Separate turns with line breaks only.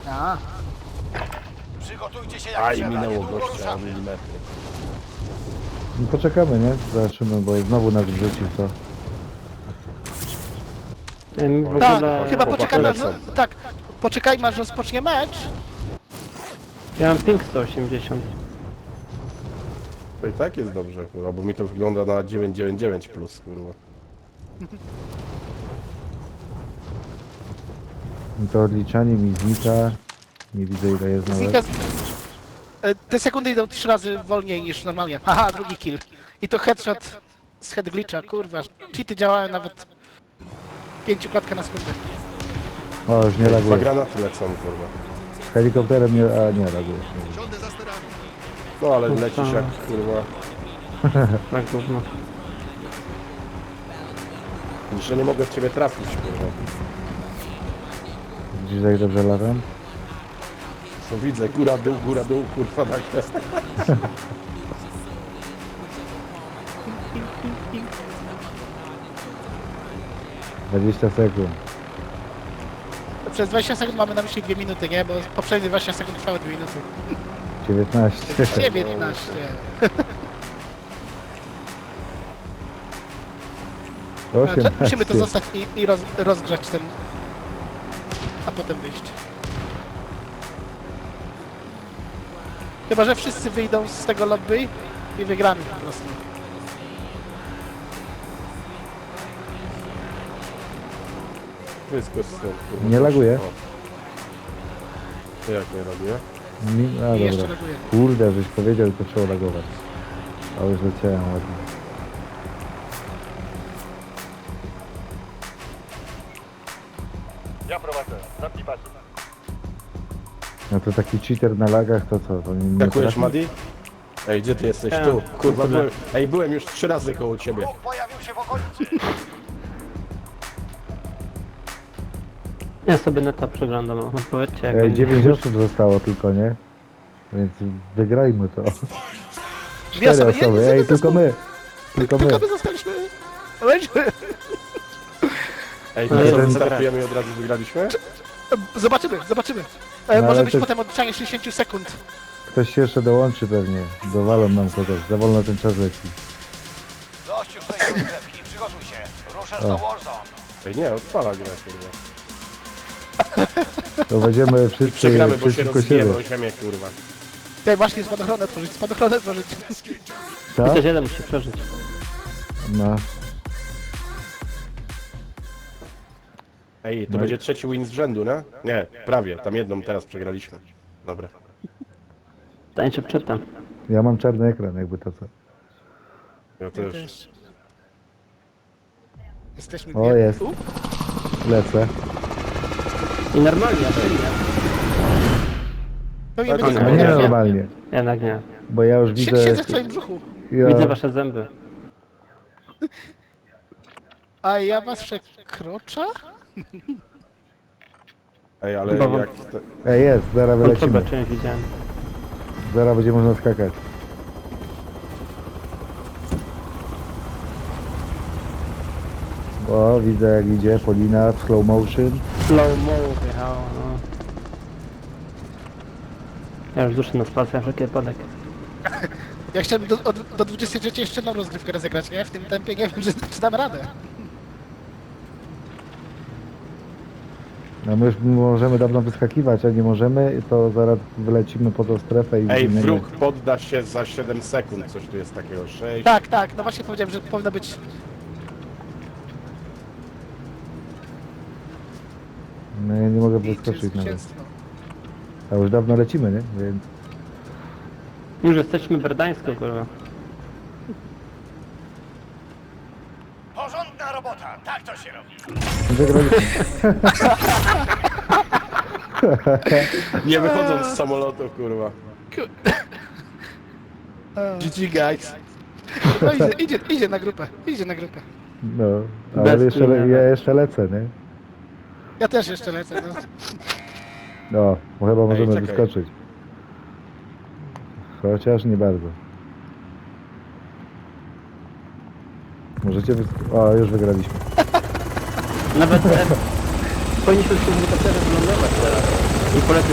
A,
Przygotujcie się jak
Aj,
trzeba,
minęło
niedługo
gościa o
ruszamy.
milimetry.
No poczekamy, nie? Zobaczymy, bo znowu nas wrzucił to.
W
tak,
ogóle...
chyba
chłopaki
poczekajmy, aż,
lecą.
tak, poczekajmy aż rozpocznie mecz.
Ja mam ping 180.
To i tak jest dobrze, kurwa, bo mi to wygląda na 999 plus, kurwa.
To odliczanie mi znika. Nie widzę ile jest
Znika,
nawet.
te sekundy idą 3 razy wolniej niż normalnie. Aha, drugi kill. I to headshot z head glitcha, kurwa. Cheaty działają nawet 5 klatka na sekundę.
O, już nie
Dwa
laguje.
granaty lecą, kurwa.
Helikopterem nie... A, nie laguje.
No ale lecisz jak, kurwa.
Tak gówno.
Widzisz, że nie mogę w ciebie trafić, kurwa.
Widzisz jak dobrze latam?
No widzę, góra, dół, kurwa, tak jest.
- 20 sekund.
Przez 20 sekund mamy na myśli 2 minuty, nie? Bo poprzednie 20 sekund trwały 2 minuty.
19.
19.
18.
Musimy to zostać i rozgrzać ten... A potem wyjść. Chyba, że wszyscy wyjdą z tego lobby i wygramy po prostu.
Wszystko jest stąd, kurwa.
Nie laguje?
O. To jak nie laguje?
A,
I jeszcze
dobra.
reaguję.
Kurde, żeś powiedział, to trzeba lagować. A już leciałem ładnie.
Ja prowadzę, zamknij pasy.
No to taki cheater na lagach, to co? To nie
Jakujesz,
trafi?
Madi? Ej, gdzie ty jesteś?
Ja.
Tu, kurwa,
Kurde.
byłem już 3 razy koło ciebie.
Bóg pojawił się w okolicy.
Ja sobie neta przeglądam, no powiedzcie jak
Ej,
będzie.
9 osób zostało tylko, nie? Więc wygrajmy to.
Dwie
4
osoby. Nie,
osoby,
nie,
ej,
nie,
tylko my. Tylko my.
Tylko my zostaliśmy. Lećmy.
Ej,
No,
to co,
jeden-
wystartujemy i od razu wygraliśmy?
Zobaczymy.
No,
Może
ale
być
to-
potem odliczanie 60 sekund.
Ktoś się jeszcze dołączy pewnie. Dowalą nam kogoś. Za wolno ten czas leci.
Dość już tej rozgrzewki, przygotuj się. Ruszasz do Warzone.
Ej, nie, odpala gra, kurwa.
To będziemy wszyscy
Przegramy, bo się
przeciwko siebie.
rozbijemy o ziemię, kurwa.
Tutaj właśnie spadochronę tworzyć, spadochronę tworzyć.
Co?
Chociaż jeden musi przeżyć.
No.
Ej, to
No i-
będzie trzeci win z rzędu, nie? Nie, prawie, tam jedną teraz przegraliśmy. Dobra.
Tańczę przedtem.
Ja mam czarny ekran, jakby to co.
Ja też.
Jesteśmy
O,
dwie.
jest. Lecę.
I normalnie, ja przyjdę.
Pełnie
Tak,
będzie
No
nie,
nie
nie.
normalnie.
Jednak nie.
Bo ja już widzę...
Siedzę w twoim brzuchu.
Widzę
Ja,
wasze zęby.
A ja was przekroczę?
Ej, ale
Chyba wam-
jak...
ej, jest, zaraz
Kontrolę
wylecimy.
czymś widziałem.
Zaraz będzie można skakać. O, widzę jak idzie Polina w slow motion.
Slow mo wjechało, no. Ja już duszę na spację, na wszelki wypadek.
Ja chciałem do 23 jeszcze jedną rozgrywkę rozegrać, nie? W tym tempie nie wiem, czy dam radę.
No my już możemy dawno wyskakiwać, a nie możemy, to zaraz wylecimy po tą strefę i
Ej,
zginiemy.
wróg podda się za 7 sekund, coś tu jest takiego, 6.
Tak, no właśnie powiedziałem, że powinno być...
No ja nie mogę
liczyć
wyskoczyć nawet.
zwycięstwo.
A już dawno lecimy, nie? Więc...
Już jesteśmy w Berdańsku, kurwa.
Porządna robota, tak to się robi.
Wygraliśmy.
Nie wychodząc z samolotu, kurwa.
GG guys. No idzie na grupę, idzie na grupę.
No, ale
Bez
jeszcze,
tłumienia.
ja jeszcze lecę, nie?
Ja też jeszcze lecę, no.
No, bo chyba możemy
czekaj.
wyskoczyć. Chociaż nie bardzo. Możecie O, już wygraliśmy.
Nawet powinniśmy w tym helikopterze wylądować teraz. I polecę